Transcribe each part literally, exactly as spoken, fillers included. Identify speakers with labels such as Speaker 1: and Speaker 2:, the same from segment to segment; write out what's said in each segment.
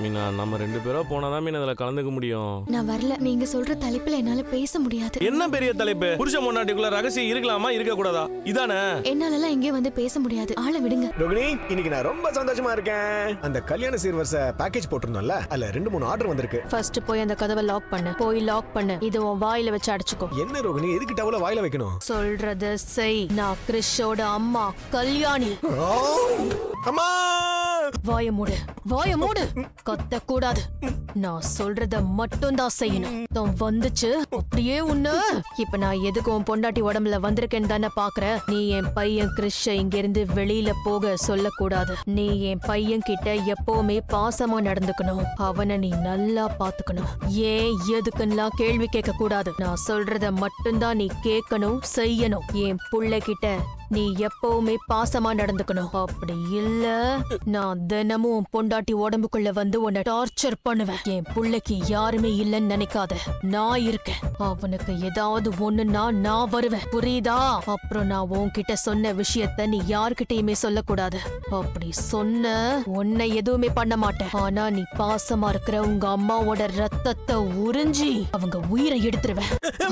Speaker 1: மீனா நம்ம ரெண்டு பேரும் போனாதான் மீன் அதுல கலந்துக்க முடியும்.
Speaker 2: நான் வரல. நீங்க சொல்ற தலைப்புல என்னால பேச முடியாது.
Speaker 1: என்ன பெரிய தலைப்பு? புருஷ பொண்டாட்டிக்குள்ள ரகசியம் இருக்கலாமா இருக்க கூடாதா? இதானே.
Speaker 2: என்னால எல்லாம் எங்கே வந்து பேச முடியாது. ஆளை விடுங்க.
Speaker 3: ரோகிணி, இன்னைக்கு நான் ரொம்ப சந்தோஷமா இருக்கேன். அந்த கல்யாண சீர்வரிசை பேக்கேஜ் போட்டிருந்தோம்ல, அதுல ரெண்டு மூணு ஆர்டர் வந்திருக்கு.
Speaker 2: ஃபர்ஸ்ட் போய் அந்த கதவை லாக் பண்ணு. போய் லாக் பண்ணு. இது உன் வாயில வச்சு அடைச்சுக்கோ.
Speaker 3: என்ன ரோகிணி, எதுக்கு டவல வாயில வைக்கணும்?
Speaker 2: சொல்றது செய். நான் கிறிஷோட அம்மா கல்யாணி.
Speaker 3: அம்மா,
Speaker 2: வாய மூடு, வாய மூடு. கத்த கூடாது. நான் சொல்றத மட்டும் தான் செய்யணும். தான் வந்துச்சு அப்படியே உன்ன. இப்ப நான் எதுக்கு உன் பொண்டாட்டி உடம்புல வந்திருக்கேன்னு தானே பாக்குற. நீ என் பையன் கிறிஷ இங்க இருந்து வெளியில போக சொல்லக்கூடாது. நீ என் பையன் கிட்ட எப்பவுமே பாசமா நடந்துக்கணும். அவனை நீ நல்லா பாத்துக்கணும். ஏன் எதுக்குன்னா கேள்வி கேட்க கூடாது. நான் சொல்றத மட்டும்தான் நீ கேட்கணும், செய்யணும். என் புள்ள கிட்ட நீ எப்பவுமே பாசமா நடந்துக்கணும். அப்படி இல்ல நான் தினமும் பொண்டாட்டி உடம்புக்குள்ள வந்து உன்னை டார்ச்சர் பண்ணுவேன். என் புள்ளைக்கு யாருமே இல்லைன்னு நினைக்காத. நான் இருக்கேன். அவனுக்கு ஏதாவது ஒண்ணுன்னா நான் வருவேன். புரியுதா? அப்புறம் நான் உன்கிட்ட சொன்ன விஷயத்த நீ யார்கிட்டயுமே சொல்லக்கூடாது. அப்படி சொன்ன உன்னை எதுவுமே பண்ண மாட்டேன். ஆனா நீ பாசமா இருக்கிற உங்க அம்மாவோட ரத்தத்தை உறிஞ்சி அவங்க உயிரை எடுத்துருவேன்.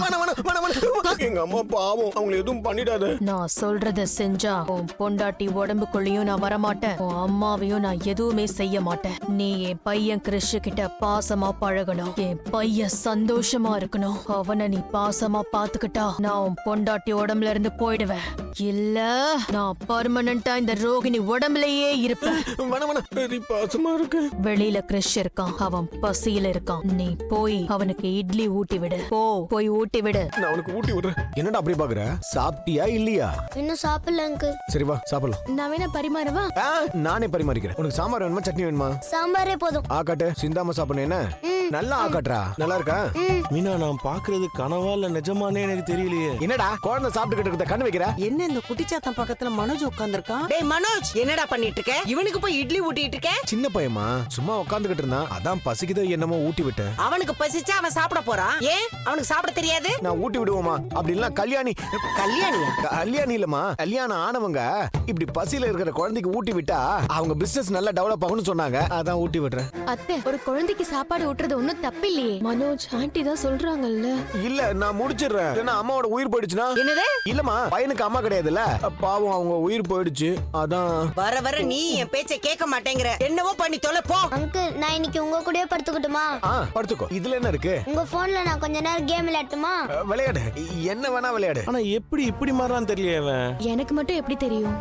Speaker 3: எங்க அம்மா பாவம், அவங்களை எதுவும் பண்ணிடாத.
Speaker 2: நான் சொல்றத செஞ்சா உன் பொண்டாட்டி உடம்புக்குள்ளயும் நான் வரமாட்டேன். உன் அம்மாவையும் நான் எதுவுமே செய்ய மாட்டேன். நீ என் பையன் கிறிஷு கிட்ட பாசமா பழகணும். என் பையன் சந்தோஷமா இருக்கணும். அவனை நீ பாசமா பாத்துக்கிட்டா நான் உன் பொண்டாட்டி உடம்புல இருந்து போயிடுவேன். இல்ல நான் பர்மனண்டா இந்த ரோகிணி உடம்புலயே இருப்பேன்.
Speaker 3: பாசமா இருக்கு.
Speaker 2: வெளியில கிறிஷ் இருக்கான். அவன் பசியில இருக்கான். நீ போய் அவனுக்கு இட்லி ஊட்டி விடு. போ, போய் ஊட்டி விடு.
Speaker 3: நான் அவனுக்கு ஊட்டி விடுறேன். என்னடா அப்படி பாக்குற? சாப்பிட்டியா இல்லையா?
Speaker 4: இன்னும் சாப்பிடல அங்கிள்.
Speaker 3: சரி வா சாப்பிடலாம்.
Speaker 2: நான் வேணா பரிமாறவா?
Speaker 3: நானே பரிமாறிக்கிறேன். உனக்கு சாம்பார் வேணுமா சட்னி வேணுமா?
Speaker 4: சாம்பாரே போதும்.
Speaker 3: ஆக்காட்டு சிந்தாம சாப்பிடணும். என்ன நல்லா ஆக்காட்டுறா. நல்லா இருக்கா?
Speaker 1: மீனா நான் பாக்குறது கனவா இல்ல நிஜமானே எனக்கு தெரியலையே.
Speaker 3: என்னடா குழந்தை சாப்பிட்டுக்கிட்டு இருக்க கண்ணு வைக்கிற?
Speaker 5: என்ன இந்த குட்டிச்சாத்தன் பக்கத்துல மனோஜ் உட்கார்ந்திருக்கான்? டேய் மனோஜ், என்னடா பண்ணிட்டு இருக்க? இவனுக்கு போய் இட்லி ஊட்டிட்டு இருக்க?
Speaker 3: சின்ன பையமா சும்மா உட்கார்ந்துகிட்டு இருந்தான். அதான் பசிக்குதோ என்னமோ ஊட்டி விட்டேன்.
Speaker 5: அவனுக்கு பசிச்சா அவன் சாப்பிட போறான். ஏன் அவனுக்கு சாப்பிட தெரியாது?
Speaker 3: நான் ஊட்டி விடுவோமா? அப்படி இல்ல கல்யாணி.
Speaker 5: கல்யாணியா?
Speaker 3: கல்யாணி இல்லமா, கல்யாணம் ஆனவங்க இப்படி பசியில இருக்கிற குழந்தைக்கு ஊட்டி விட்டா அவங்க பிசினஸ் நல்லா டெவலப் ஆகும்னு சொன்னாங்க. அதான் ஊட்டி விடுறேன்.
Speaker 2: அத்தை, ஒரு குழந்தைக்கு சாப்பாடு ஊட்டுறது ஒண்ணும் தப்பு இல்லையே. மனோஜ் ஆண்டி தான் சொல்றாங்கல்ல.
Speaker 3: இல்ல நான் முடிச்சிடுறேன். ஏன்னா அம்மாவோட உயிர் போயிடுச்சுன்னா.
Speaker 5: என்னது?
Speaker 3: இல்லமா, பையனுக்கு அம்மா கிடையாதுல்ல. பாவம் அவங்க உயிர் போயிடுச்சு. அதான்
Speaker 5: வர வர நீ என் பேச்சை கேட்க மாட்டேங்கிற. என்னவோ பண்ணி தொலை போ.
Speaker 4: அங்கிள், நான் இன்னைக்கு உங்க கூடயே படுத்துக்கிட்டுமா?
Speaker 3: ஆ படுத்துக்கோ. இதுல என்ன இருக்கு?
Speaker 4: உங்க போன்ல நான் கொஞ்ச நேரம் கேம் விளையாட்டுமா?
Speaker 3: விளையாடு, என்ன வேணா விளையாடு.
Speaker 1: ஆனா எப்படி இப்படி மாறான்னு தெரியல.
Speaker 2: எனக்கு மட்டும் எப்படி தெரியும்?